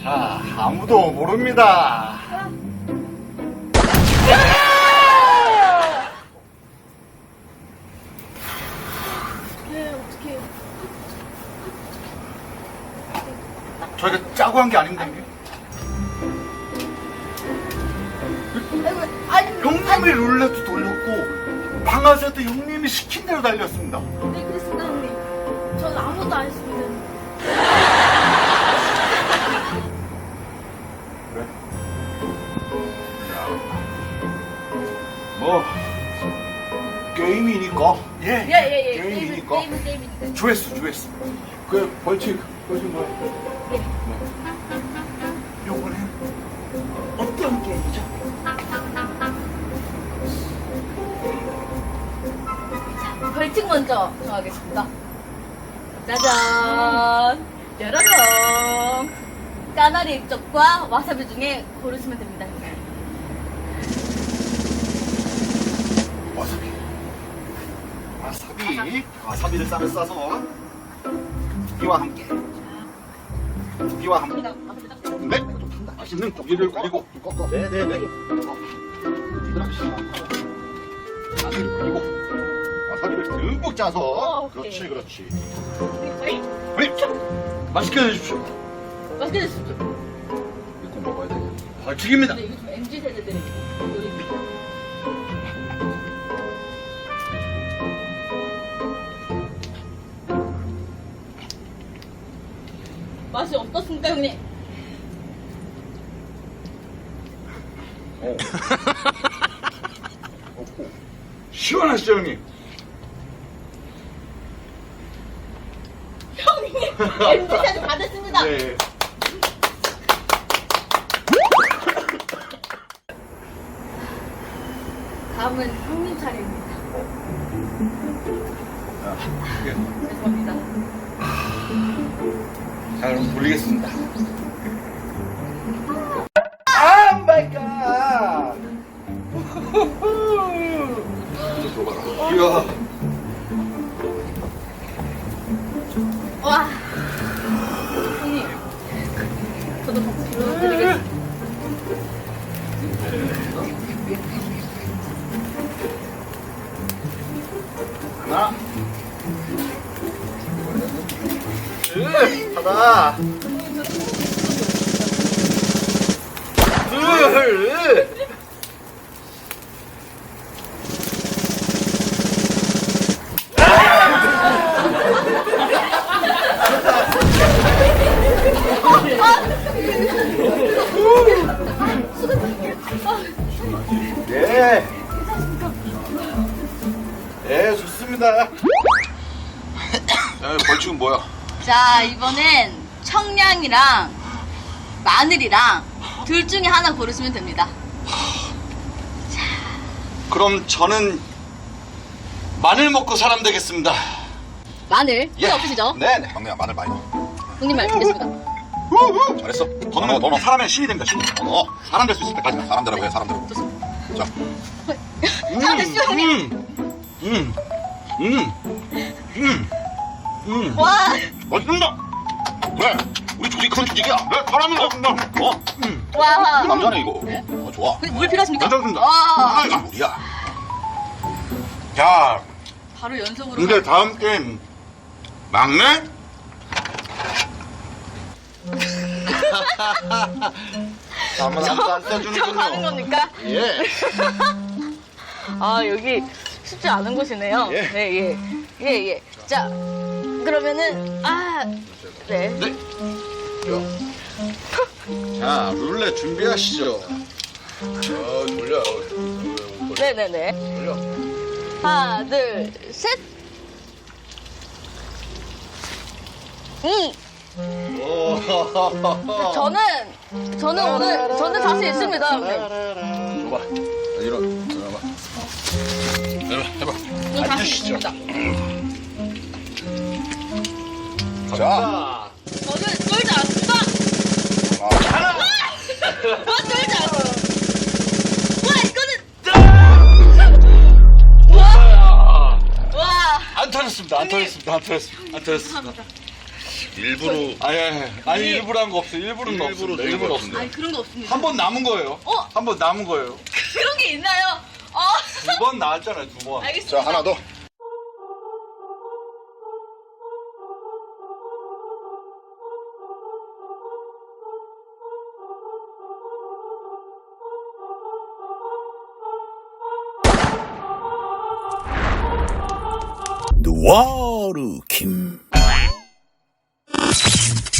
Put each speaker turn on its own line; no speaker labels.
자, 아무도 모릅니다.
네, 어떡해요.
저희가 짜고 한 게 아닌데. 형님이 룰렛도 돌렸고 방아쇠도 형님이 시킨 대로 달렸습니다.
네, 그랬습니다, 형님. 전 아무것도 안 했습니다.
그래? 뭐 게임이니까.
예.
게임이니까.
게임이니까.
조회수. 그 벌칙 뭐야?
예.
요번엔 어떤 게임이죠?
벌칙 먼저 정하겠습니다. 짜잔! 여러분! 까나리 액젓과 와사비 중에 고르시면 됩니다.
와사비를 쌈에 싸서 이와 함께 네, 좀 탄다. 맛있는 고기를 그리고 꺾어. 네네네. 그리고 와사비를 듬뿍 짜서
오케이.
그렇지. 맛있게 해주십시오.
맛있게 드십시오.
이거 먹어야 돼. 벌칙입니다.
근데 이거 좀 MZ 세대들의 요리입니다. 맛이 어떻습니까, 형님?
시원하시죠, 형님?
형님! MZ 세대 받았습니다!
네.
다음은 형님 차례입니다. 죄송합니다.
자, 그럼 돌리겠습니다. 아, 마이 갓! 이야.
와! 형님, 저도 같이 불러드리겠습니다.
하나. 하나. 둘. 예. 예, 좋습니다. 벌칙은 뭐야?
자, 이번엔 청량이랑 마늘이랑 둘 중에 하나 고르시면 됩니다.
그럼 저는 마늘 먹고 사람 되겠습니다.
마늘? 필요 없으시죠?
네네. 막내야, 마늘 많이 넣어.
형님 말씀드리겠습니다.
잘했어. 더 넣으면 더 넣어. 사람의 신이 됩니다, 신이. 사람 될 수 있을 때까지. 사람대로 해, 사람대로. 자.
사람 되시죠, 형님? 와!
맛있습니다. 그래, 우리 조직 큰 조직이야. 네, 사람이 맛있습니다.
와!
남자네 이거. 좋아.
물 필요하십니까?
괜찮습니다.
와!
이거 물이야. 자,
바로 연속으로.
근데 다음 게임 막내? 한번 안
저 가는
써주는군요.
겁니까?
예.
아, 여기 쉽지 않은 곳이네요.
예.
네, 예. 자, 그러면은, 네.
네. 자, 룰렛 준비하시죠. 돌려.
네네네.
돌려.
하나, 둘, 셋. 저는 오늘 자신 있습니다. 형님.
줘봐. 일어나봐. 해봐.
저는 자신
앉으시죠.
있습니다.
자.
저는 쫄지 않습니다.
하나.
쫄지 않습니다. 와, 이거는. 와.
안 터졌습니다.
죄송합니다.
일부러
아니 일부러 한 거 없어요. 일부러는
일부러
없습니다.
주는
일부러
거
없습니다.
아니 그런 거 없습니다.
한 번 남은 거예요.
어?
한 번 남은 거예요.
그런 게 있나요?
두 번 나왔잖아요. 두 번.
알겠습니다.
자 하나 더
누아르 김